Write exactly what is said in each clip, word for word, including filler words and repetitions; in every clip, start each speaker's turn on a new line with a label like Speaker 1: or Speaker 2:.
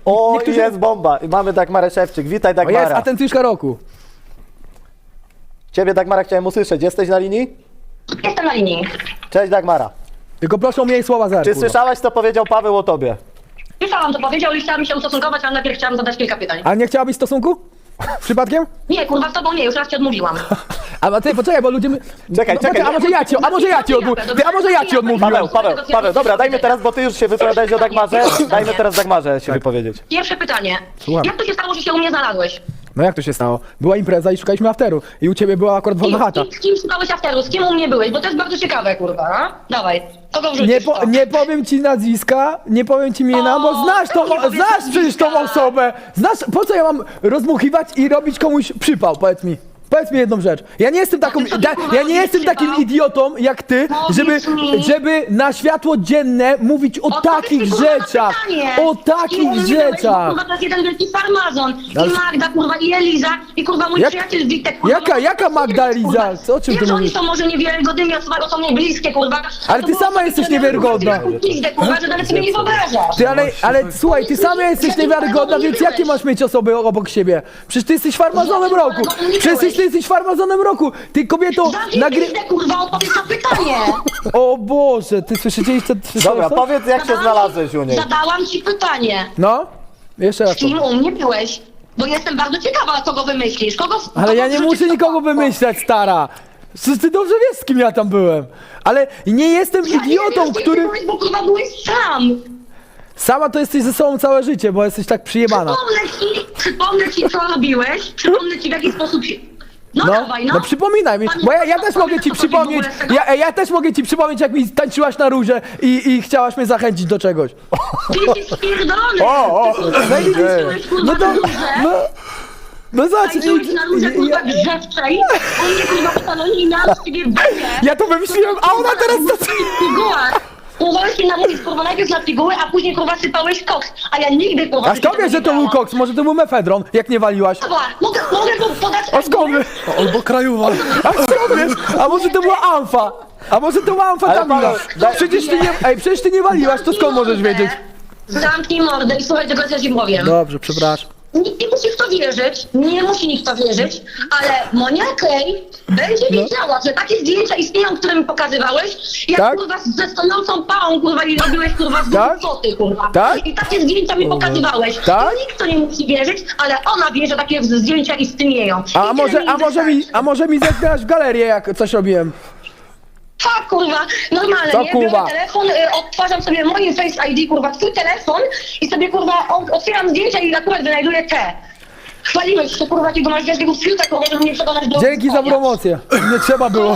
Speaker 1: O,
Speaker 2: niektórzy...
Speaker 1: jest bomba. I mamy Dagmarę Szewczyk. Witaj,
Speaker 2: O
Speaker 1: Dagmara.
Speaker 2: jest, atencjuszka roku.
Speaker 1: Ciebie, Dagmara, chciałem usłyszeć. Jesteś na linii?
Speaker 3: Jestem na linii.
Speaker 1: Cześć, Dagmara.
Speaker 2: Tylko proszę o mniej słowa zer,
Speaker 1: Czy
Speaker 2: kurwa.
Speaker 1: słyszałaś, co powiedział Paweł o tobie?
Speaker 3: Słyszałam, to powiedział i chciałam się ustosunkować, ale najpierw chciałam zadać kilka pytań.
Speaker 2: A nie chciałabyś stosunku? Przypadkiem?
Speaker 3: Nie, kurwa, z tobą nie, już raz ci odmówiłam.
Speaker 2: A ty, poczekaj, bo ludzie... my-
Speaker 1: Czekaj,
Speaker 2: no,
Speaker 1: czekaj.
Speaker 2: A może ja ci, a może ja ci odmówię? Ty, a może ja ci odmówiłem?
Speaker 1: Paweł, Paweł, Paweł, dobra, dajmy teraz, bo ty już się wypowiadałeś o Dagmarze, dajmy teraz Dagmarze się wypowiedzieć.
Speaker 3: Pierwsze pytanie.
Speaker 2: Słucham.
Speaker 3: Jak to się stało, że się u mnie znalazłeś?
Speaker 2: No jak to się stało? Była impreza i szukaliśmy afteru. I u ciebie była akurat wolna chata.
Speaker 3: Z kim, z kim szukałeś afteru? Z kim u mnie byłeś? Bo to jest bardzo ciekawe, kurwa, a? Dawaj, kogo wrzucisz?
Speaker 2: Nie, po,
Speaker 3: to?
Speaker 2: nie powiem ci nazwiska, nie powiem ci imienia, bo
Speaker 3: O,
Speaker 2: znasz tą,
Speaker 3: nie powiedz
Speaker 2: znasz przecież tą
Speaker 3: nazwiska.
Speaker 2: osobę. Znasz, po co ja mam rozmuchiwać i robić komuś przypał, powiedz mi. Powiedz mi jedną rzecz. Ja nie jestem taką,
Speaker 3: ty sobie,
Speaker 2: da,
Speaker 3: kurwa,
Speaker 2: ja nie
Speaker 3: robisz
Speaker 2: jestem takim
Speaker 3: przypał?
Speaker 2: idiotą jak ty,
Speaker 3: Powiedz
Speaker 2: żeby,
Speaker 3: mi.
Speaker 2: żeby na światło dzienne mówić o
Speaker 3: Odpowiedz
Speaker 2: takich
Speaker 3: mi, kurwa, na
Speaker 2: rzeczach.
Speaker 3: pytanie.
Speaker 2: O
Speaker 3: I u
Speaker 2: takich
Speaker 3: mnie byłeś, bo,
Speaker 2: rzeczach.
Speaker 3: Kurwa, to jest jeden wielki farmazon.
Speaker 2: Ale-
Speaker 3: I Magda, kurwa, i Eliza, i kurwa mój
Speaker 2: Jak-
Speaker 3: przyjaciel Witek, kurwa.
Speaker 2: jaka-
Speaker 3: no,
Speaker 2: jaka
Speaker 3: to
Speaker 2: Magda,
Speaker 3: jest,
Speaker 2: Eliza?
Speaker 3: kurwa.
Speaker 2: Co- o czym ty
Speaker 3: Wiem, że
Speaker 2: mówisz?
Speaker 3: oni są może niewiarygodnymi osobami, są mi bliskie, kurwa.
Speaker 2: Ale
Speaker 3: to
Speaker 2: ty
Speaker 3: było
Speaker 2: sama
Speaker 3: coś,
Speaker 2: jesteś
Speaker 3: że ja
Speaker 2: niewiarygodna.
Speaker 3: kurwa, pizdę, kurwa, że nawet sobie nie wyobrażasz.
Speaker 2: Ty, ale, ale słuchaj, ty sama jesteś niewiarygodna, więc jakie masz mieć osoby obok siebie? Przecież ty jesteś farmazonem roku. Przecież ty jesteś farmazonem roku. Ty kobieto
Speaker 3: Zamknij
Speaker 2: nagry...
Speaker 3: pizdę, kurwa, odpowiedz na pytanie.
Speaker 2: O Boże, ty słyszycie co?
Speaker 1: Dobra,
Speaker 2: co?
Speaker 1: powiedz, jak się znalazłeś u niej.
Speaker 3: Zadałam ci pytanie.
Speaker 2: No? Jeszcze raz.
Speaker 3: Z kim u mnie byłeś? Bo jestem bardzo ciekawa, kogo wymyślisz. Kogo,
Speaker 2: Ale
Speaker 3: kogo
Speaker 2: ja nie
Speaker 3: wrzucisz
Speaker 2: muszę
Speaker 3: do
Speaker 2: nikogo
Speaker 3: worka?
Speaker 2: wymyślać, stara. Przecież ty dobrze wiesz, z kim ja tam byłem. Ale nie jestem
Speaker 3: Ja nie
Speaker 2: idiotą,
Speaker 3: wiem,
Speaker 2: który...
Speaker 3: Byłeś, bo kurwa byłeś sam.
Speaker 2: Sama to jesteś ze sobą całe życie, bo jesteś tak przyjebana.
Speaker 3: Przypomnę ci, przypomnę ci, co robiłeś. Przypomnę ci, w jaki sposób się... No,
Speaker 2: No,
Speaker 3: dawaj, no.
Speaker 2: no przypominaj mi, bo ja, ja też mogę ci przypomnieć, ja, ja też mogę ci przypomnieć, jak mi tańczyłaś na róże i, i chciałaś mnie zachęcić do czegoś.
Speaker 3: Ty jesteś spierdolony.
Speaker 1: O, o,
Speaker 3: Ty kurwa,
Speaker 1: ej,
Speaker 3: tańczyłeś, kurwa,
Speaker 2: No to,
Speaker 3: na róże.
Speaker 2: no, no zobacz,
Speaker 3: Tańczyłeś na róże,
Speaker 2: i-
Speaker 3: kurwa,
Speaker 2: ja,
Speaker 3: grzewczej. U mnie, kurwa, postanowili na ciebie banie.
Speaker 2: ja to wymyśliłem, a ona teraz to...
Speaker 3: Pigułach. Próbowałeś mi namówić, kurwa, najpierw na piguły, a później, kurwa, sypałeś koks. A ja nigdy, kurwa...
Speaker 2: A skąd wiesz, że to był koks? Może to był mefedron, jak nie waliłaś?
Speaker 3: Dobra, mogę, mogę tu podać...
Speaker 2: A skąd wiesz?
Speaker 4: Albo krajowa.
Speaker 2: A skąd wiesz? A może to była amfa? A może to była amfetamina?
Speaker 1: Ale Paweł, daj-
Speaker 2: Przecież ty nie, ej, przecież ty nie waliłaś, to skąd możesz wiedzieć?
Speaker 3: Zamknij mordę i słuchaj tego, co ja ci powiem.
Speaker 2: Dobrze, przepraszam.
Speaker 3: Nikt nie musi w to wierzyć, nie musi nikt w to wierzyć, ale Monia Klej będzie
Speaker 2: No.
Speaker 3: wiedziała, że takie zdjęcia istnieją, które mi pokazywałeś, jak
Speaker 2: Tak?
Speaker 3: kurwa ze stonącą pałą, kurwa, i robiłeś, kurwa, z
Speaker 2: Tak?
Speaker 3: foty, kurwa.
Speaker 2: Tak?
Speaker 3: I takie zdjęcia mi pokazywałeś.
Speaker 2: Tak?
Speaker 3: I nikt to nie musi wierzyć, ale ona wie, że takie zdjęcia istnieją. I
Speaker 2: A
Speaker 3: tyle
Speaker 2: może,
Speaker 3: mi
Speaker 2: a może mi,
Speaker 3: wystarczy.
Speaker 2: a może mi zerknęłaś w galerię, jak coś robiłem?
Speaker 3: Tak, kurwa, normalnie,
Speaker 2: Co,
Speaker 3: nie?
Speaker 2: kurwa?
Speaker 3: Biorę telefon, y, odtwarzam sobie moim Face I D, kurwa, twój telefon i sobie, kurwa, o, otwieram zdjęcia i akurat wynajduję te. Chwaliłeś się, kurwa, jakiego masz wielkiego fiuta, kurwa, żeby mnie przekonać do...
Speaker 2: Dzięki za
Speaker 3: konia.
Speaker 2: promocję. Nie trzeba było.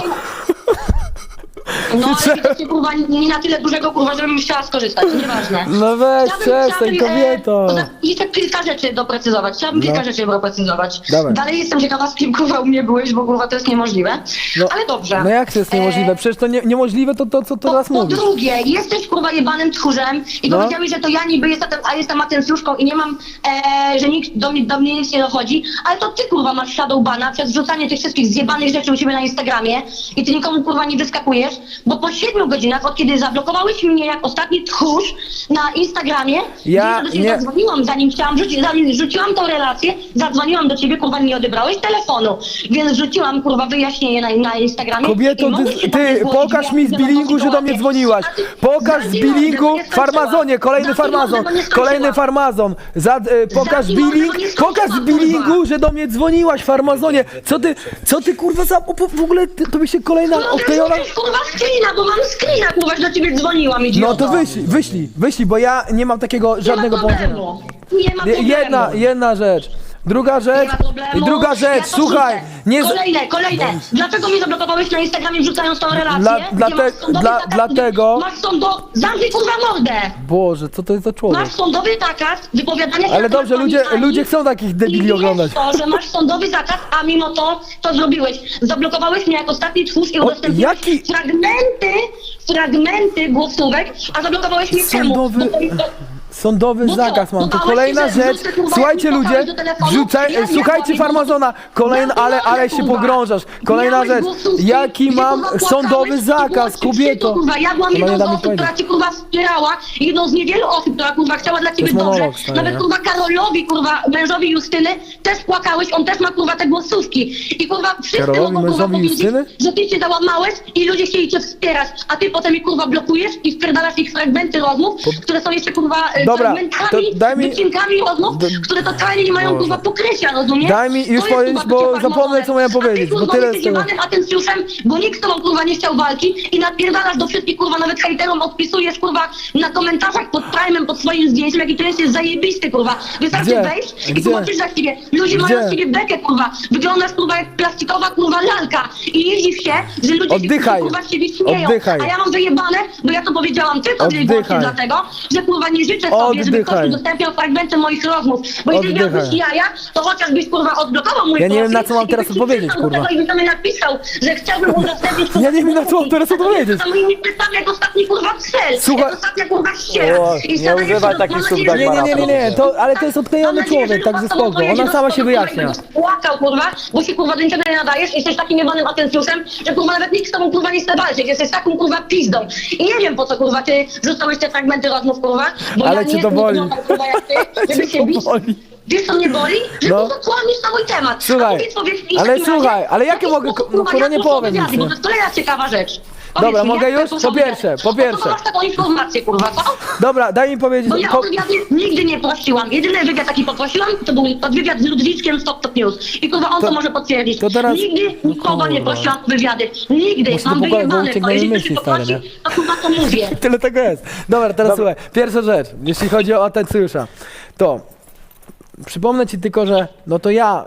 Speaker 3: No, ale widocznie, kurwa, nie na tyle dużego, kurwa, żebym chciała skorzystać, nieważne.
Speaker 2: No weź,
Speaker 3: Chciałabym-
Speaker 2: przestań,
Speaker 3: chciałabym,
Speaker 2: kobieto.
Speaker 3: E, za- jeszcze kilka rzeczy doprecyzować. Chciałabym kilka
Speaker 2: No.
Speaker 3: rzeczy doprecyzować.
Speaker 2: Dawaj.
Speaker 3: Dalej jestem ciekawa, z kim, kurwa, u mnie byłeś, bo, kurwa, to jest niemożliwe.
Speaker 2: No,
Speaker 3: Ale dobrze.
Speaker 2: No jak to jest niemożliwe?
Speaker 3: E,
Speaker 2: Przecież to nie, niemożliwe to, to co
Speaker 3: Po,
Speaker 2: teraz
Speaker 3: po
Speaker 2: mówisz.
Speaker 3: drugie, jesteś kurwa jebanym tchórzem i
Speaker 2: No.
Speaker 3: powiedziałeś, że to ja niby jestem, a jestem atencjuszką i nie mam, e, że nikt do mnie, do mnie nic nie dochodzi, ale to ty kurwa masz shadowbana przez wrzucanie tych wszystkich zjebanych rzeczy u siebie na Instagramie i ty nikomu kurwa nie wyskakujesz, bo po siedmiu godzinach, od kiedy zablokowałeś mnie jak ostatni tchórz na Instagramie,
Speaker 2: Ja
Speaker 3: gdzie do ciebie
Speaker 2: nie-
Speaker 3: zadzwoniłam, zanim chciałam rzucić, zanim rzuciłam tą relację, zadzwoniłam do ciebie, kurwa nie odebrałeś telefonu, więc rzuciłam kurwa wyjaśnienie na, na Instagramie.
Speaker 2: Kobieto,
Speaker 3: i mogę
Speaker 2: ty,
Speaker 3: się
Speaker 2: ty
Speaker 3: tam zgłosić,
Speaker 2: pokaż
Speaker 3: jak
Speaker 2: mi z
Speaker 3: wiadomo,
Speaker 2: bilingu, że do mnie
Speaker 3: sytuację.
Speaker 2: dzwoniłaś.
Speaker 3: A ty-
Speaker 2: Pokaż z
Speaker 3: Zamknij mordę,
Speaker 2: bilingu,
Speaker 3: bo nie skończyłam.
Speaker 2: farmazonie, kolejny
Speaker 3: Zamknij mordę,
Speaker 2: farmazon,
Speaker 3: bo nie skończyłam.
Speaker 2: kolejny farmazon. Za, e, pokaż
Speaker 3: Zamknij mordę,
Speaker 2: billing,
Speaker 3: bo nie skończyłam,
Speaker 2: pokaż z
Speaker 3: kurwa.
Speaker 2: bilingu, że do mnie dzwoniłaś, farmazonie. Co ty, co ty kurwa za, o, w ogóle ty, to by się kolejna
Speaker 3: No
Speaker 2: odklejona...
Speaker 3: to jest kurwa screena, bo mam screena, kurwa, że do ciebie dzwoniłam, idioto.
Speaker 2: No to wyślij, wyślij, wyślij, bo ja nie mam takiego żadnego
Speaker 3: Nie ma
Speaker 2: połączenia.
Speaker 3: problemu. Nie ma
Speaker 2: Je-
Speaker 3: problemu.
Speaker 2: Jedna, jedna rzecz. Druga
Speaker 3: Nie
Speaker 2: rzecz,
Speaker 3: ma problemu.
Speaker 2: i druga rzecz,
Speaker 3: Ja to
Speaker 2: słuchaj,
Speaker 3: wrzucę.
Speaker 2: nie... z-
Speaker 3: Kolejne, kolejne. Dlaczego mnie zablokowałeś na Instagramie wrzucając tą relację?
Speaker 2: Dla-
Speaker 3: gdzie
Speaker 2: dlate-
Speaker 3: masz sądowy
Speaker 2: dla-
Speaker 3: zakaz-
Speaker 2: dlatego-
Speaker 3: Masz sądo... Zamknij kurwa mordę!
Speaker 2: Boże, co to jest za człowiek?
Speaker 3: Masz sądowy zakaz wypowiadania się
Speaker 2: Ale
Speaker 3: na
Speaker 2: dobrze,
Speaker 3: temat
Speaker 2: ludzie,
Speaker 3: pani
Speaker 2: ludzie chcą takich
Speaker 3: i
Speaker 2: debili
Speaker 3: wiesz
Speaker 2: oglądać.
Speaker 3: to, że masz sądowy zakaz, a mimo to to zrobiłeś. Zablokowałeś mnie jak ostatni twórz i udostępniłeś
Speaker 2: jaki-
Speaker 3: fragmenty, fragmenty głosówek, a zablokowałeś mnie czemu?
Speaker 2: Sądowy-
Speaker 3: Bo to-
Speaker 2: Sądowy
Speaker 3: Bo co?
Speaker 2: zakaz mam. To
Speaker 3: Dodałeś
Speaker 2: kolejna
Speaker 3: się, że
Speaker 2: rzecz.
Speaker 3: wrzucę, kurwa,
Speaker 2: Słuchajcie
Speaker 3: jak mi
Speaker 2: ludzie,
Speaker 3: do telefonu,
Speaker 2: wrzucaj,
Speaker 3: ja- ja
Speaker 2: słuchajcie
Speaker 3: kłamie,
Speaker 2: farmazona. Kolejna,
Speaker 3: Ja
Speaker 2: ale,
Speaker 3: pierdolę,
Speaker 2: ale się
Speaker 3: kurwa.
Speaker 2: pogrążasz. Kolejna
Speaker 3: Miałeś
Speaker 2: rzecz.
Speaker 3: głosówki,
Speaker 2: Jaki
Speaker 3: gdzie,
Speaker 2: mam
Speaker 3: kurwa,
Speaker 2: sądowy
Speaker 3: płakałeś i
Speaker 2: zakaz,
Speaker 3: było ci
Speaker 2: kobieto?
Speaker 3: wstyd, kurwa. Ja byłam
Speaker 2: To ma
Speaker 3: jedną
Speaker 2: nie
Speaker 3: z
Speaker 2: da mi
Speaker 3: osób,
Speaker 2: powiedzieć.
Speaker 3: która cię kurwa wspierała, jedną z niewielu osób, która kurwa chciała dla ciebie
Speaker 2: jest
Speaker 3: dobrze.
Speaker 2: monolog, stary,
Speaker 3: Nawet
Speaker 2: nie?
Speaker 3: kurwa Karolowi, kurwa, mężowi Justyny, też płakałeś, on też ma kurwa te głosówki. I kurwa wszyscy
Speaker 2: Karolowi,
Speaker 3: mogą kurwa
Speaker 2: mężowi
Speaker 3: powiedzieć,
Speaker 2: Justyny?
Speaker 3: że ty się załamałeś i ludzie chcieli cię wspierać, a ty potem ich kurwa blokujesz i wpierdalasz ich fragmenty rozmów, które są jeszcze kurwa e,
Speaker 2: Dobra,
Speaker 3: fragmentami,
Speaker 2: to daj mi-
Speaker 3: wycinkami rozmów,
Speaker 2: D-
Speaker 3: które totalnie nie mają kurwa pokrycia, rozumiesz?
Speaker 2: Daj mi
Speaker 3: To
Speaker 2: już
Speaker 3: jest,
Speaker 2: powiedzieć,
Speaker 3: kurwa,
Speaker 2: bo
Speaker 3: bycie
Speaker 2: zapomnę,
Speaker 3: farmazonem.
Speaker 2: co miałem
Speaker 3: A ty,
Speaker 2: powiedzieć, bo
Speaker 3: kurwa,
Speaker 2: tyle
Speaker 3: jesteś
Speaker 2: z tego.
Speaker 3: jebanym atencjuszem, bo nikt z tobą kurwa nie chciał walki i napierdalasz do wszystkich kurwa, nawet hejterom odpisujesz kurwa na komentarzach pod prime'em, pod swoim zdjęciem, jaki to jest, jest zajebisty kurwa. Wystarczy
Speaker 2: Gdzie?
Speaker 3: wejść i
Speaker 2: Gdzie?
Speaker 3: zobaczysz za siebie. Ludzie
Speaker 2: Gdzie?
Speaker 3: mają z ciebie bekę kurwa. Wyglądasz kurwa jak plastikowa kurwa lalka i nie dziw się, że ludzie
Speaker 2: Oddychaj.
Speaker 3: się kurwa z ciebie śmieją.
Speaker 2: Oddychaj.
Speaker 3: A ja mam wyjebane, bo ja to powiedziałam tylko i
Speaker 2: Oddychaj.
Speaker 3: wyłącznie dlatego, że kurwa nie życzę sobie, żeby ktoś
Speaker 2: Oddychaj.
Speaker 3: udostępniał fragmenty moich rozmów. Bo jeśli
Speaker 2: Oddychaj.
Speaker 3: miałbyś jaja, to chociażbyś kurwa odblokował mój
Speaker 2: Ja nie wiem,
Speaker 3: profil
Speaker 2: na co mam
Speaker 3: i
Speaker 2: teraz
Speaker 3: byś mi
Speaker 2: odpowiedzieć,
Speaker 3: przystał do
Speaker 2: kurwa.
Speaker 3: tego I byś mi napisał, że chciałbym udostępnić
Speaker 2: Ja nie wiem, na co mam teraz odpowiedzieć.
Speaker 3: To moimi pytami jak ostatni kurwa cel.
Speaker 2: Słuchaj-
Speaker 3: Jak ostatnia kurwa ściera.
Speaker 1: O,
Speaker 3: I
Speaker 1: nie
Speaker 3: sama
Speaker 1: używaj
Speaker 3: jeszcze-
Speaker 1: takich
Speaker 3: mam
Speaker 1: słów,
Speaker 3: nadzieję, że-
Speaker 2: Nie, nie, nie, nie, nie, to, ale to jest odklejony
Speaker 3: Mam nadzieję,
Speaker 2: człowiek,
Speaker 3: że
Speaker 2: także
Speaker 3: Lukas
Speaker 2: spoko.
Speaker 3: pojedzie
Speaker 2: Ona
Speaker 3: do
Speaker 2: sama się
Speaker 3: domu,
Speaker 2: wyjaśnia.
Speaker 3: kurwa, i płakał kurwa, bo się kurwa do niczego nie nadajesz, jesteś takim jebanym atencjuszem, że kurwa nawet nikt z tobą kurwa nie chce walczyć, jesteś taką kurwa pizdą. I nie wiem po co kurwa ty rzucałeś te fragmenty rozmów kurwa, bo
Speaker 2: Ale
Speaker 3: ja
Speaker 2: cię
Speaker 3: nie
Speaker 2: to
Speaker 3: jestem
Speaker 2: boli.
Speaker 3: idiotą, kurwa jak ty, żeby
Speaker 2: Cię
Speaker 3: się
Speaker 2: to
Speaker 3: bić.
Speaker 2: boli.
Speaker 3: Wiesz co mnie boli? Że
Speaker 2: No.
Speaker 3: no. kurwa kłamiesz na mój temat.
Speaker 2: Słuchaj,
Speaker 3: A powiedz, powiedz mi w
Speaker 2: ale
Speaker 3: takim
Speaker 2: słuchaj,
Speaker 3: razie,
Speaker 2: ale
Speaker 3: w
Speaker 2: jakie
Speaker 3: jaki
Speaker 2: mogę-
Speaker 3: sposób,
Speaker 2: no,
Speaker 3: kurwa,
Speaker 2: kurwa,
Speaker 3: jak
Speaker 2: nie
Speaker 3: to są
Speaker 2: powiem
Speaker 3: wywiady,
Speaker 2: nic,
Speaker 3: Bo
Speaker 2: nie?
Speaker 3: to jest kolejna ciekawa rzecz.
Speaker 2: Dobra,
Speaker 3: Powiedz mi,
Speaker 2: mogę
Speaker 3: jak
Speaker 2: już?
Speaker 3: to są
Speaker 2: Po pierwsze,
Speaker 3: wywiady?
Speaker 2: po pierwsze.
Speaker 3: No to masz taką informację kurwa, co?
Speaker 2: Dobra, daj mi powiedzieć.
Speaker 3: Bo ja
Speaker 2: Po...
Speaker 3: o wywiady nigdy nie prosiłam. Jedyny wywiad taki poprosiłam, to był to wywiad z Ludwiczkiem z Top Top News. I kurwa on
Speaker 2: To-
Speaker 3: to, może potwierdzić.
Speaker 2: to teraz-
Speaker 3: Nigdy
Speaker 2: no
Speaker 3: nikogo nie
Speaker 2: kurwa.
Speaker 3: prosiłam o wywiady. Nigdy.
Speaker 2: Muszę
Speaker 3: Mam
Speaker 2: do pokoju, bo
Speaker 3: wyjebane.
Speaker 2: uciekną
Speaker 3: To
Speaker 2: mi
Speaker 3: jeżeli
Speaker 2: myśli,
Speaker 3: ktoś
Speaker 2: stary,
Speaker 3: poprosi,
Speaker 2: nie?
Speaker 3: to kurwa to mówię.
Speaker 2: Tyle tego jest. Dobra, teraz słuchaj. Pierwsza rzecz, jeśli chodzi o atencjusza, to przypomnę ci tylko, że no to ja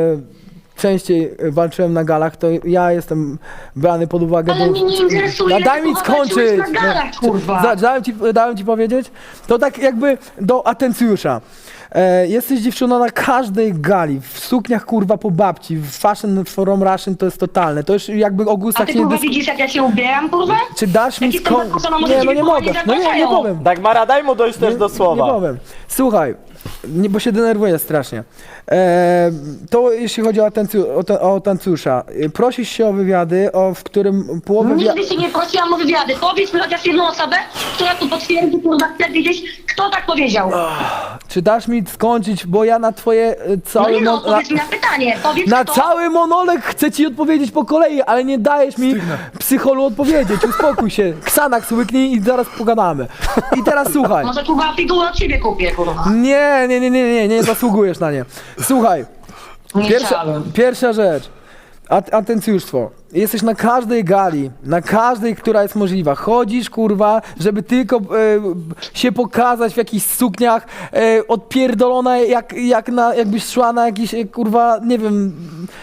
Speaker 2: e, częściej walczyłem na galach, to ja jestem brany pod uwagę.
Speaker 3: Ale
Speaker 2: bo-
Speaker 3: mnie nie interesuje,
Speaker 2: No, daj
Speaker 3: jak
Speaker 2: mi
Speaker 3: kurwa walczyłeś
Speaker 2: skończyć.
Speaker 3: na galach, kurwa.
Speaker 2: Za- Dałem ci, dałem ci powiedzieć? To tak jakby do atencjusza. E, jesteś dziewczyną na każdej gali, w sukniach kurwa po babci, w fashion from Russian to jest totalne. To już jakby o
Speaker 3: A
Speaker 2: gustach
Speaker 3: ty
Speaker 2: nie
Speaker 3: kurwa
Speaker 2: dysk...
Speaker 3: widzisz jak ja się ubieram kurwa?
Speaker 2: Czy dasz mi
Speaker 3: Jak jestem
Speaker 2: skończyć?
Speaker 3: zaskoczona, może
Speaker 2: Nie, no
Speaker 3: ciebie
Speaker 2: nie
Speaker 3: kochani
Speaker 2: mogę. No nie, nie
Speaker 3: zapraszają.
Speaker 2: powiem.
Speaker 1: Dagmara, daj mu dojść też do
Speaker 2: Nie
Speaker 1: słowa.
Speaker 2: powiem. Słuchaj, nie, bo się denerwuję strasznie. E, to jeśli chodzi o, atencju, o, te, o atencjusza. E, Prosisz się o wywiady, o, w którym połowę... Wia-
Speaker 3: Nigdy się nie prosiłam o wywiady. Powiedz mi chociaż jedną osobę, która tu potwierdzi, kurwa, chcę wiedzieć, kto tak powiedział.
Speaker 2: Czy dasz mi skończyć, bo ja na twoje e,
Speaker 3: No
Speaker 2: całe...
Speaker 3: nie no,
Speaker 2: mon-
Speaker 3: odpowiedz mi na pytanie. Powiedz
Speaker 2: na
Speaker 3: kto.
Speaker 2: cały monolog chcę ci odpowiedzieć po kolei, ale nie dajesz mi psycholu odpowiedzieć. Uspokój się. Ksanax łyknij i zaraz pogadamy. I teraz słuchaj.
Speaker 3: Może kurwa figurę od ciebie kupię, kurwa.
Speaker 2: Nie, nie, nie, nie, nie, nie zasługujesz na nie. Słuchaj.
Speaker 3: Nie
Speaker 2: Pierwsza,
Speaker 3: chciałem.
Speaker 2: pierwsza rzecz. At, atencjuszstwo. Jesteś na każdej gali, na każdej, która jest możliwa. Chodzisz, kurwa, żeby tylko e, się pokazać w jakichś sukniach, e, odpierdolona jak, jak na, jakbyś szła na jakiś, e, kurwa, nie wiem,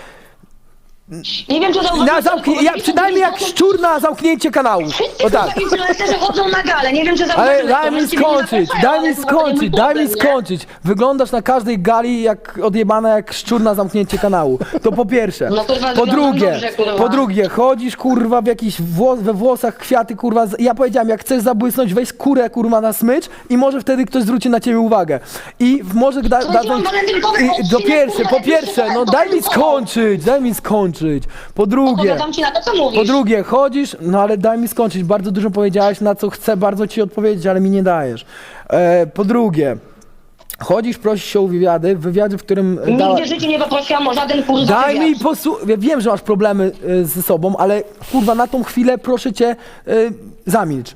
Speaker 3: Nie wiem, czy zauważyłeś,
Speaker 2: na zamknie, ja, przynajmniej jak szczur na zamknięcie kanału.
Speaker 3: Wszyscy
Speaker 2: O tak.
Speaker 3: kurwa influencerzy chodzą na galę. Nie wiem, czy
Speaker 2: Ale
Speaker 3: zauważyłeś
Speaker 2: daj
Speaker 3: to,
Speaker 2: mi
Speaker 3: że ciebie nie
Speaker 2: skończyć,
Speaker 3: zapraszają,
Speaker 2: daj
Speaker 3: ale
Speaker 2: mi
Speaker 3: kurwa, to nie
Speaker 2: skończyć,
Speaker 3: mój
Speaker 2: daj mi
Speaker 3: problem, nie?
Speaker 2: skończyć. Wyglądasz na każdej gali jak odjebana jak szczur na zamknięcie kanału. To po pierwsze.
Speaker 3: No, kurwa,
Speaker 2: Po
Speaker 3: wyglądam
Speaker 2: drugie,
Speaker 3: dobrze, kurwa.
Speaker 2: po drugie, chodzisz kurwa w jakiś włos, we włosach kwiaty kurwa. z- Ja powiedziałem, jak chcesz zabłysnąć, weź skórę kurwa na smycz i może wtedy ktoś zwróci na ciebie uwagę. I w- może da,
Speaker 3: To
Speaker 2: dadzą...
Speaker 3: mam walentynkowy
Speaker 2: I, do
Speaker 3: odcinek,
Speaker 2: pierwsze,
Speaker 3: kurwa,
Speaker 2: po pierwsze, no daj mi
Speaker 3: walentynkowy.
Speaker 2: skończyć, daj mi skończyć. Po drugie.
Speaker 3: Odpowiadam ci na to, co mówisz.
Speaker 2: Po drugie, chodzisz, no ale daj mi skończyć. Bardzo dużo powiedziałeś, na co chcę bardzo ci odpowiedzieć, ale mi nie dajesz. E, po drugie, chodzisz, prosisz się o wywiady, w wywiadzie, w którym... e, dała-
Speaker 3: Nigdy w życiu nie poprosiłam o żaden kurwa
Speaker 2: Daj
Speaker 3: wywiad.
Speaker 2: mi posłuchać. Ja wiem, że masz problemy e, ze sobą, ale kurwa, na tą chwilę proszę cię, e, zamilcz.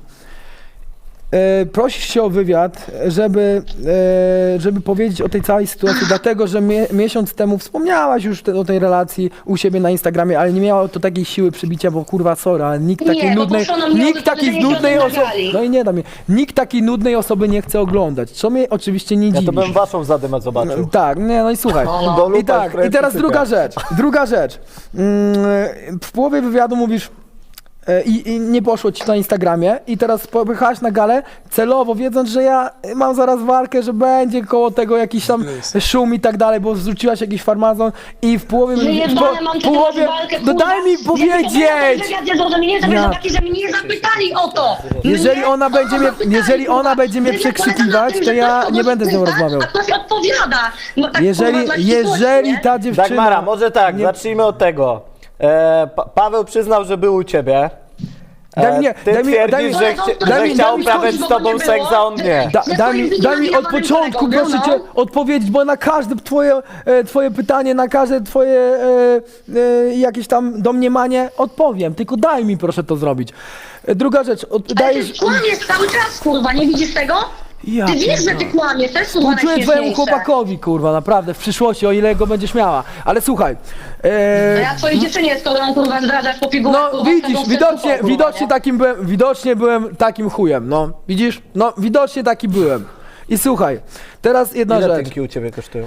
Speaker 2: E, prosisz się o wywiad, żeby, e, żeby powiedzieć o tej całej sytuacji, dlatego że mie miesiąc temu wspomniałaś już te, o tej relacji u siebie na Instagramie, ale nie miało to takiej siły przybicia, bo kurwa sorry, ale nikt
Speaker 3: Nie,
Speaker 2: takiej
Speaker 3: bo
Speaker 2: nudnej,
Speaker 3: proszono mnie o
Speaker 2: nikt takiej
Speaker 3: wypowiedzenie się
Speaker 2: nudnej
Speaker 3: o tym
Speaker 2: osoby,
Speaker 3: nagali.
Speaker 2: no i nie da mnie, nikt takiej nudnej osoby nie chce oglądać, co mnie oczywiście nie
Speaker 1: Ja
Speaker 2: dziwi.
Speaker 1: to bym waszą zadymę zobaczył.
Speaker 2: Tak, nie, no i słuchaj.
Speaker 1: Do lupa
Speaker 2: I tak,
Speaker 1: wkręci
Speaker 2: i teraz
Speaker 1: cyka.
Speaker 2: druga rzecz. Druga rzecz. Mm, W połowie wywiadu mówisz, e, i, i nie poszło ci na Instagramie i teraz popychałaś na galę celowo, wiedząc, że ja mam zaraz walkę, że będzie koło tego jakiś tam szum i tak dalej, bo zrzuciłaś jakiś farmazon i w połowie...
Speaker 3: Wyjebane mam
Speaker 2: w połowie
Speaker 3: walkę,
Speaker 2: no daj mi powiedzieć!
Speaker 3: Ja zrozumienie, że
Speaker 2: Ja.
Speaker 3: taki, że mnie nie zapytali o to.
Speaker 2: Jeżeli
Speaker 3: Mnie
Speaker 2: ona będzie mnie-
Speaker 3: zapytali,
Speaker 2: jeżeli ona
Speaker 3: kurwa.
Speaker 2: będzie mnie
Speaker 3: Wywiad polega
Speaker 2: przekrzykiwać,
Speaker 3: na tym,
Speaker 2: to
Speaker 3: że
Speaker 2: ja
Speaker 3: ktoś
Speaker 2: nie
Speaker 3: kogoś
Speaker 2: będę z nią
Speaker 3: pyta,
Speaker 2: rozmawiał.
Speaker 3: A ktoś odpowiada. No tak,
Speaker 2: Jeżeli,
Speaker 3: kurwa, dla ścisłości,
Speaker 2: jeżeli
Speaker 3: nie?
Speaker 2: ta dziewczyna...
Speaker 1: Dagmara, może tak,
Speaker 2: nie-
Speaker 1: zacznijmy od tego. E, pa Paweł przyznał, że był u ciebie. E,
Speaker 2: Daj mi-
Speaker 1: ty
Speaker 2: daj mi-
Speaker 1: twierdzisz,
Speaker 2: daj mi-
Speaker 1: że,
Speaker 3: daj
Speaker 1: chci
Speaker 3: mi-
Speaker 1: że
Speaker 3: daj mi-
Speaker 1: chciał
Speaker 3: daj mi
Speaker 1: uprawiać
Speaker 3: skończyć,
Speaker 1: z
Speaker 3: bo
Speaker 1: tobą
Speaker 3: nie
Speaker 1: seks, a on
Speaker 3: było.
Speaker 1: nie.
Speaker 2: Da,
Speaker 3: Że
Speaker 2: daj,
Speaker 3: to
Speaker 2: mi,
Speaker 3: jest
Speaker 2: daj mi od
Speaker 3: wywiadowanym
Speaker 2: początku,
Speaker 3: kolegą,
Speaker 2: proszę
Speaker 3: no.
Speaker 2: cię, odpowiedzieć, bo na każde twoje, e, twoje pytanie, na każde twoje e, e, jakieś tam domniemanie odpowiem. Tylko daj mi proszę to zrobić. E, druga rzecz, od,
Speaker 3: Ale
Speaker 2: dajesz...
Speaker 3: ty kłamiesz cały czas, kurwa, nie widzisz tego?
Speaker 2: Ja
Speaker 3: Ty wiesz, że ty kłamiesz, to jest kurwa
Speaker 2: Współczuję twojemu
Speaker 3: najśmieszniejsze.
Speaker 2: chłopakowi, kurwa, naprawdę, w przyszłości, o ile go będziesz miała. Ale słuchaj,
Speaker 3: A
Speaker 2: e,
Speaker 3: ja twojej dziewczynie, skoro ją kurwa zdradzasz po pigułach,
Speaker 2: no
Speaker 3: kurwa,
Speaker 2: widzisz,
Speaker 3: wtedy
Speaker 2: widocznie,
Speaker 3: kurwa,
Speaker 2: widocznie
Speaker 3: nie?
Speaker 2: takim byłem, widocznie byłem takim chujem, no. Widzisz? No, widocznie taki byłem. I słuchaj, teraz jedna
Speaker 1: Ile
Speaker 2: rzecz.
Speaker 1: tynki u ciebie kosztują?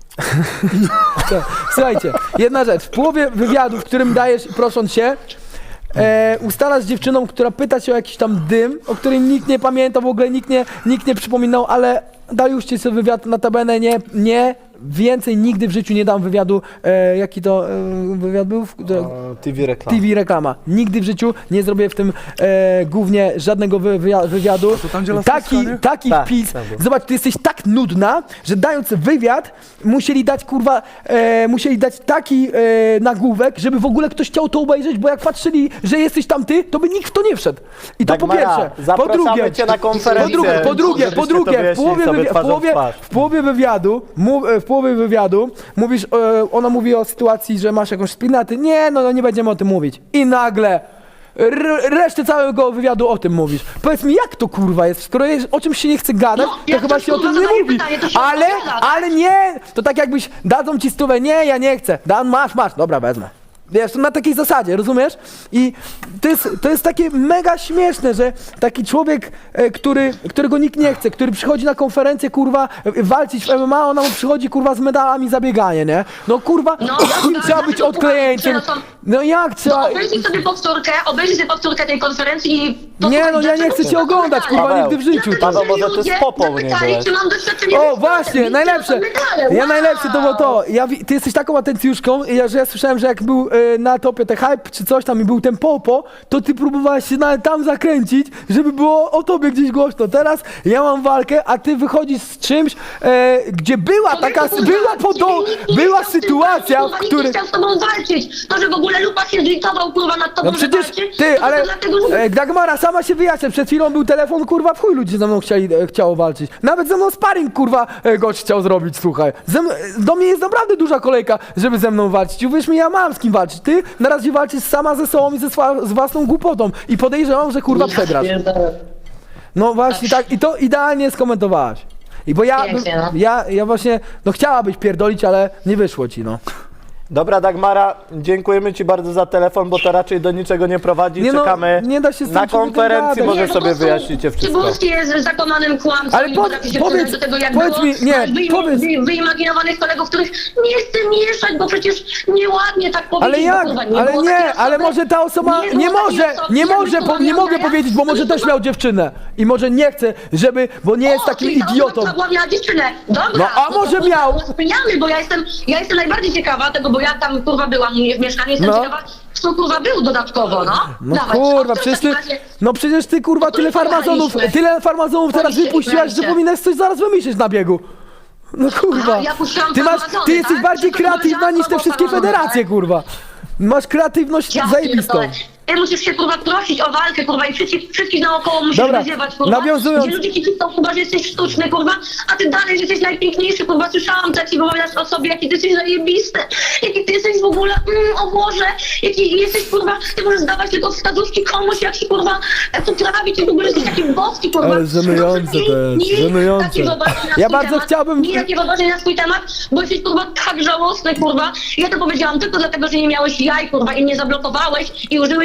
Speaker 2: Słuchajcie, jedna rzecz. W połowie wywiadu, w którym dajesz, prosząc się, e, ustalasz z dziewczyną, która pyta cię o jakiś tam dym, o którym nikt nie pamięta, w ogóle nikt nie, nikt nie przypominał, ale daj już ci sobie wywiad, notabene nie, nie, więcej nigdy w życiu nie dam wywiadu, e, jaki to e, wywiad był? W, do,
Speaker 1: O, T V reklama.
Speaker 2: T V reklama. Nigdy w życiu nie zrobię w tym e, głównie żadnego wy, wyja- wywiadu.
Speaker 4: tam, gdzie laska,
Speaker 2: Taki,
Speaker 4: nie?
Speaker 2: taki
Speaker 1: Tak,
Speaker 2: wpis.
Speaker 1: tam był.
Speaker 2: Zobacz, ty jesteś tak nudna, że dając wywiad, musieli dać kurwa, e, musieli dać taki e, nagłówek, żeby w ogóle ktoś chciał to obejrzeć, bo jak patrzyli, że jesteś tam ty, to by nikt w to nie wszedł. I to po
Speaker 1: Dagmara,
Speaker 2: pierwsze. Po
Speaker 1: zapraszamy
Speaker 2: drugie,
Speaker 1: cię na
Speaker 2: po
Speaker 1: konferencję,
Speaker 2: drugie, po drugie, po
Speaker 1: żebyście to
Speaker 2: drugie, w
Speaker 1: wyjaśnili
Speaker 2: połowie,
Speaker 1: sobie
Speaker 2: wywi- w
Speaker 1: twarzą w
Speaker 2: połowie,
Speaker 1: twarz.
Speaker 2: w połowie wywiadu, mów, w połowie wywiadu mówisz, e, ona mówi o sytuacji, że masz jakąś spinaty. Nie, no, no nie będziemy o tym mówić. I nagle r- resztę całego wywiadu o tym mówisz. Powiedz mi, jak to kurwa jest? Skoro jest, o czymś się nie chce gadać,
Speaker 3: No,
Speaker 2: to
Speaker 3: jak
Speaker 2: chyba
Speaker 3: ktoś,
Speaker 2: się o
Speaker 3: kurwa,
Speaker 2: tym nie
Speaker 3: zadaje
Speaker 2: mówi.
Speaker 3: pytanie, to się
Speaker 2: Ale,
Speaker 3: odpowiada, tak?
Speaker 2: ale nie! To tak jakbyś dadzą ci stówę, nie, ja nie chcę. Dan, masz, masz, dobra, wezmę. Wiesz, to na takiej zasadzie, rozumiesz? I to jest, to jest takie mega śmieszne, że taki człowiek, e, który, którego nikt nie chce, który przychodzi na konferencję, kurwa, e, walczyć w M M A, ona mu przychodzi, kurwa, z medalami za bieganie, nie? No kurwa,
Speaker 3: No,
Speaker 2: jakim
Speaker 3: tak,
Speaker 2: trzeba
Speaker 3: tak,
Speaker 2: być
Speaker 3: to
Speaker 2: odklejeńcem?
Speaker 3: kurwa,
Speaker 2: No jak trzeba...
Speaker 3: No, obejrzyj sobie powtórkę, obejrzyj sobie powtórkę tej konferencji i...
Speaker 2: Nie, no ja nie chcę cię oglądać, kurwa,
Speaker 1: Paweł,
Speaker 2: nigdy w życiu.
Speaker 1: Paweł,
Speaker 3: że
Speaker 1: może ty z
Speaker 3: ludzie
Speaker 1: popą nie
Speaker 3: zapytali,
Speaker 1: byłeś.
Speaker 3: czy mam doświadczenie
Speaker 2: O,
Speaker 3: ze sportem.
Speaker 2: właśnie,
Speaker 3: Widzę,
Speaker 2: najlepsze.
Speaker 3: to medale.
Speaker 2: Ja
Speaker 3: Wow.
Speaker 2: najlepsze to było to. Ja, wi- ty jesteś taką atencjuszką, ja, że ja słyszałem, że jak był y, na topie te hype czy coś tam i był ten popo, to ty próbowałeś się nawet tam zakręcić, żeby było o tobie gdzieś głośno. Teraz ja mam walkę, a ty wychodzisz z czymś, e, gdzie była taka,
Speaker 3: Człowieku,
Speaker 2: była
Speaker 3: kurwa,
Speaker 2: podo,
Speaker 3: nikt nie
Speaker 2: była
Speaker 3: chciał z tym
Speaker 2: sytuacja,
Speaker 3: walczyć,
Speaker 2: w
Speaker 3: kurwa,
Speaker 2: której...
Speaker 3: Nikt nie chciał z tobą walczyć. To, że w ogóle Lupa się zlitował, kurwa, nad tobą,
Speaker 2: No
Speaker 3: że
Speaker 2: przecież
Speaker 3: walczy,
Speaker 2: ty,
Speaker 3: to
Speaker 2: ale
Speaker 3: to dlatego, że...
Speaker 2: e, Dagmara sama się wyjaśnia, przed chwilą był telefon, kurwa, w chuj ludzie ze mną chcieli, e, chciało walczyć. Nawet ze mną sparring, kurwa, e, gość chciał zrobić, słuchaj. Ze, m- do mnie jest naprawdę duża kolejka, żeby ze mną walczyć. I uwierz mi, ja mam z kim walczyć. Ty na razie walczysz sama ze sobą i ze swa, z własną głupotą. I podejrzewam, że kurwa przegrasz. No właśnie tak, i to idealnie skomentowałaś. I bo ja,
Speaker 3: Pięknie, no.
Speaker 2: ja, ja właśnie, no chciałabyś pierdolić, ale nie wyszło ci, no.
Speaker 1: Dobra, Dagmara, dziękujemy ci bardzo za telefon, bo to raczej do niczego nie prowadzi.
Speaker 2: Nie no,
Speaker 1: Czekamy
Speaker 2: nie da się z tym
Speaker 1: na
Speaker 2: człowiekiem
Speaker 1: konferencji,
Speaker 2: gadać.
Speaker 1: może
Speaker 3: Nie, po
Speaker 1: sobie
Speaker 3: prostu
Speaker 1: wyjaśnicie wszystko.
Speaker 3: Cybulski jest zakonanym kłamcą
Speaker 2: Ale
Speaker 3: i
Speaker 2: po-
Speaker 3: potrafi się
Speaker 2: powiedz-
Speaker 3: przyznać do tego, jak
Speaker 2: powiedz
Speaker 3: było.
Speaker 2: mi- nie,
Speaker 3: Masz wyim-
Speaker 2: powiedz-
Speaker 3: wy- wyimaginowanych kolegów, których nie chcę mieszać, bo przecież nieładnie tak powiedzieć.
Speaker 2: Ale
Speaker 3: bo,
Speaker 2: jak?
Speaker 3: kurwa,
Speaker 2: Ale
Speaker 3: było
Speaker 2: nie,
Speaker 3: takiej
Speaker 2: ale
Speaker 3: osoby,
Speaker 2: może ta osoba
Speaker 3: nie,
Speaker 2: nie
Speaker 3: było takiej
Speaker 2: może,
Speaker 3: osoby,
Speaker 2: nie
Speaker 3: jakby
Speaker 2: może,
Speaker 3: to
Speaker 2: po, nie mogę
Speaker 3: Andrea,
Speaker 2: powiedzieć, bo
Speaker 3: to
Speaker 2: może
Speaker 3: to
Speaker 2: też
Speaker 3: to-
Speaker 2: miał dziewczynę i może nie chce, żeby, bo nie jest
Speaker 3: O,
Speaker 2: takim
Speaker 3: czyli ta
Speaker 2: idiotą.
Speaker 3: osoba była miała dziewczynę. Dobra.
Speaker 2: No, a
Speaker 3: to
Speaker 2: może
Speaker 3: to,
Speaker 2: miał?
Speaker 3: to Zmieniamy, bo ja jestem, ja jestem najbardziej ciekawa tego, bo ja tam kurwa byłam u mnie w mieszkaniu, jestem
Speaker 2: No.
Speaker 3: ciekawa, co kurwa był dodatkowo, no.
Speaker 2: No
Speaker 3: Dawaj,
Speaker 2: kurwa,
Speaker 3: o, w
Speaker 2: przecież ty,
Speaker 3: takim razie-
Speaker 2: no przecież ty kurwa tyle farmazonów,
Speaker 3: Pojechaliśmy.
Speaker 2: tyle farmazonów teraz
Speaker 3: Pojechaliśmy,
Speaker 2: wypuściłaś, że
Speaker 3: pojechaliśmy.
Speaker 2: powinnaś coś zaraz wymyślić na biegu. No kurwa,
Speaker 3: Aha, ja puszczałam
Speaker 2: ty masz,
Speaker 3: farmazony,
Speaker 2: ty jesteś
Speaker 3: tak?
Speaker 2: bardziej
Speaker 3: Wszystko
Speaker 2: kreatywna
Speaker 3: powiedziałam,
Speaker 2: niż te
Speaker 3: co
Speaker 2: wszystkie
Speaker 3: było farmazony,
Speaker 2: federacje,
Speaker 3: tak?
Speaker 2: kurwa. Masz kreatywność
Speaker 3: Ja
Speaker 2: zajebistą.
Speaker 3: pierdolę. Ty musisz się kurwa prosić o walkę, kurwa, i wszystkich, wszystkich naokoło musisz
Speaker 2: Dobra,
Speaker 3: wyziewać, kurwa.
Speaker 2: nawiązując-
Speaker 3: Gdzie ludzie ci cisną, kurwa, że jesteś sztuczny, kurwa, a ty dalej, że jesteś najpiękniejszy, kurwa, słyszałam taki, bo opowiadasz o sobie, jaki ty jesteś zajebisty, jaki ty jesteś w ogóle, mm, o Boże, jaki jesteś, kurwa, ty możesz dawać tylko wskazówki komuś, jak się, kurwa, to trawi, ty w ogóle jesteś taki boski, kurwa.
Speaker 2: Ale żenujące to jest,
Speaker 3: Nie, nie,
Speaker 2: żenujące.
Speaker 3: takie wyobrażenie na
Speaker 2: Ja
Speaker 3: swój
Speaker 2: bardzo
Speaker 3: temat,
Speaker 2: chciałbym-
Speaker 3: Nie takie wyobrażenie na swój temat, bo jesteś, kurwa, tak żałosny, kurwa. Ja to powiedziałam tylko dlatego, że nie miałeś jaj, kurwa, i mnie zablokowałeś i użyłeś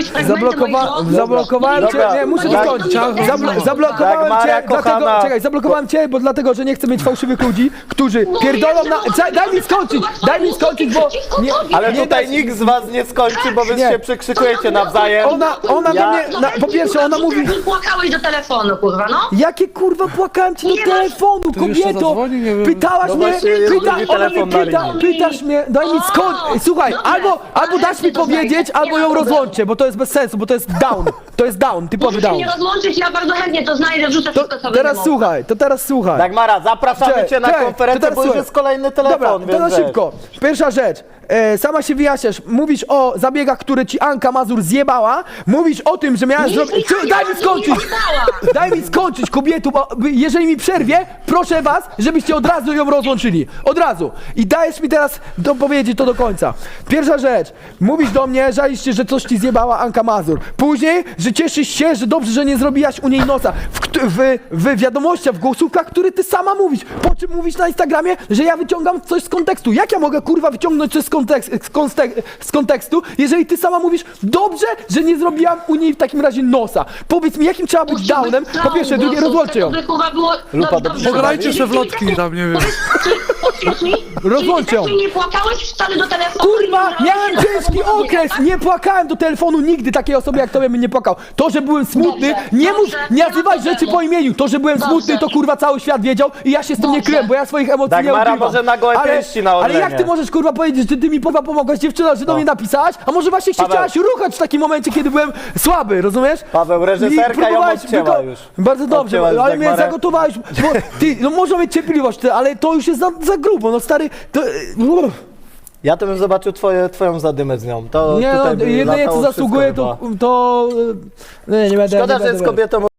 Speaker 3: fragmenty moich
Speaker 2: Zablokowa
Speaker 3: rozmów.
Speaker 2: zablokowałem cię,
Speaker 1: Dobra,
Speaker 2: nie, muszę
Speaker 1: tak,
Speaker 2: dokończyć.
Speaker 3: tak,
Speaker 2: Zablo
Speaker 3: tak,
Speaker 2: zablokowałem
Speaker 1: Dagmara,
Speaker 2: cię, dlatego,
Speaker 1: kochana.
Speaker 2: czekaj, zablokowałem cię, bo dlatego, że nie chcę mieć fałszywych ludzi, którzy
Speaker 3: No
Speaker 2: pierdolą
Speaker 3: nie,
Speaker 2: na...
Speaker 3: no,
Speaker 2: Daj, daj mi skończyć, daj mi skończyć, bo... Nie,
Speaker 1: Ale
Speaker 2: nie
Speaker 1: tutaj
Speaker 2: daj-
Speaker 1: nikt z was nie skończy, bo wy
Speaker 2: Nie.
Speaker 1: się przekrzykujecie nawzajem.
Speaker 2: Ona, ona
Speaker 1: Ja-
Speaker 2: do mnie, na, po pierwsze, ona mówi...
Speaker 3: Ty płakałeś do telefonu, kurwa, no.
Speaker 2: Jakie kurwa płakałem ci do
Speaker 3: Nie masz-
Speaker 2: telefonu,
Speaker 4: To jeszcze
Speaker 2: kobieto!
Speaker 4: zadzwoni, nie wiem.
Speaker 2: Pytałaś
Speaker 1: No
Speaker 2: mnie,
Speaker 1: właśnie, jest
Speaker 2: pyta,
Speaker 1: drugi
Speaker 2: ona
Speaker 1: telefon
Speaker 2: mnie
Speaker 1: na
Speaker 2: pyta,
Speaker 1: linii.
Speaker 2: pytasz mnie, daj mi
Speaker 3: O,
Speaker 2: skąd... Słuchaj,
Speaker 3: dobra,
Speaker 2: albo, albo
Speaker 3: ale
Speaker 2: dasz mi
Speaker 3: to znajdę,
Speaker 2: powiedzieć,
Speaker 3: nie
Speaker 2: albo
Speaker 3: ma
Speaker 2: ją
Speaker 3: problemu.
Speaker 2: rozłączcie, bo to jest bez sensu, bo to jest down, to jest down, typowy
Speaker 3: Możesz się
Speaker 2: down.
Speaker 3: nie rozłączyć, ja bardzo chętnie to znajdę, wrzucę
Speaker 2: To
Speaker 3: wszystko sobie.
Speaker 2: teraz
Speaker 3: do
Speaker 2: słuchaj, to teraz słuchaj.
Speaker 1: Dagmara, zapraszamy
Speaker 2: Cześć,
Speaker 1: cię na
Speaker 2: cześć, to
Speaker 1: konferencję,
Speaker 2: teraz
Speaker 1: bo już
Speaker 2: słuchaj.
Speaker 1: jest kolejny telefon,
Speaker 2: Dobra,
Speaker 1: więc
Speaker 2: to na
Speaker 1: wiesz.
Speaker 2: szybko. Pierwsza rzecz. E, sama się wyjaśniasz. Mówisz o zabiegach, które ci Anka Mazur zjebała. Mówisz o tym, że miałaś
Speaker 3: Nic
Speaker 2: zrobić...
Speaker 3: mi
Speaker 2: Czy- Daj mi
Speaker 3: nie
Speaker 2: skończyć!
Speaker 3: zjebała.
Speaker 2: Daj mi skończyć, kobietu, bo jeżeli mi przerwie, proszę was, żebyście od razu ją rozłączyli. Od razu. I dajesz mi teraz dopowiedzieć to do końca. Pierwsza rzecz. Mówisz do mnie, żalisz się, że coś ci zjebała Anka Mazur. Później, że cieszysz się, że dobrze, że nie zrobiłaś u niej nosa. W, kt- w, w wiadomościach, w głosówkach, które ty sama mówisz. Po czym mówisz na Instagramie, że ja wyciągam coś z kontekstu. Jak ja mogę, kurwa, wyciągnąć coś z, kontekst, z, konstek- z kontekstu, jeżeli ty sama mówisz, dobrze, że nie zrobiłam u niej w takim razie nosa. Powiedz mi, jakim trzeba być
Speaker 3: Musi
Speaker 2: downem?
Speaker 3: być
Speaker 2: Po pierwsze,
Speaker 3: down,
Speaker 2: drugie,
Speaker 3: bo
Speaker 2: rozłączcie ją.
Speaker 3: to by, kurwa, było...
Speaker 1: Lupa,
Speaker 3: no,
Speaker 1: dobrze,
Speaker 3: dobrze,
Speaker 4: Pograjcie
Speaker 3: dobrze.
Speaker 4: se w lotki tam, nie wiem.
Speaker 3: Powiedz mi,
Speaker 2: Rozłączcie ją.
Speaker 3: czyli nie płakałeś wcale do telefonu?
Speaker 2: Kurwa,
Speaker 3: i nie
Speaker 2: miałem
Speaker 3: brałeś
Speaker 2: ciężki
Speaker 3: telefonu,
Speaker 2: okres,
Speaker 3: tak?
Speaker 2: nie płakałem do telefonu nigdy takiej osoby jak tobie bym nie płakał. To, że byłem smutny,
Speaker 3: Dobrze,
Speaker 2: nie mów,
Speaker 3: dobrze,
Speaker 2: nie
Speaker 3: nie ma
Speaker 2: nazywaj
Speaker 3: problemu.
Speaker 2: rzeczy po imieniu. To, że byłem
Speaker 3: Dobrze.
Speaker 2: smutny, to kurwa cały świat wiedział i ja się z tym nie
Speaker 3: Dobrze.
Speaker 2: kryłem, bo ja swoich emocji nie
Speaker 1: Dagmara
Speaker 2: ukrywam.
Speaker 1: może na gołe
Speaker 2: ale,
Speaker 1: pięści na
Speaker 2: ale
Speaker 1: Orlenie.
Speaker 2: jak ty możesz kurwa powiedzieć, że ty mi kurwa pomogłaś dziewczyna, że do
Speaker 1: No.
Speaker 2: mnie napisałaś, a może właśnie się
Speaker 1: Paweł.
Speaker 2: chciałaś ruchać w takim momencie, kiedy byłem słaby, rozumiesz?
Speaker 1: Paweł, reżyserka
Speaker 2: I próbowałeś
Speaker 1: ją odcięła
Speaker 2: wyko-
Speaker 1: już.
Speaker 2: Bardzo dobrze,
Speaker 1: Odcięła już
Speaker 2: ale mnie
Speaker 1: Dagmarę.
Speaker 2: zagotowałeś, bo ty, no można mieć cierpliwość, ty, ale to już jest za, za grubo, no stary, to...
Speaker 1: Ja to bym zobaczył twoje, twoją zadymę z nią. To
Speaker 2: Nie
Speaker 1: tutaj
Speaker 2: no,
Speaker 1: by
Speaker 2: jedynie co
Speaker 1: latało
Speaker 2: zasługuje,
Speaker 1: wszystko
Speaker 2: to,
Speaker 1: chyba.
Speaker 2: to... Nie, nie będę...
Speaker 1: Szkoda,
Speaker 2: nie
Speaker 1: że
Speaker 2: będę
Speaker 1: jest kobietą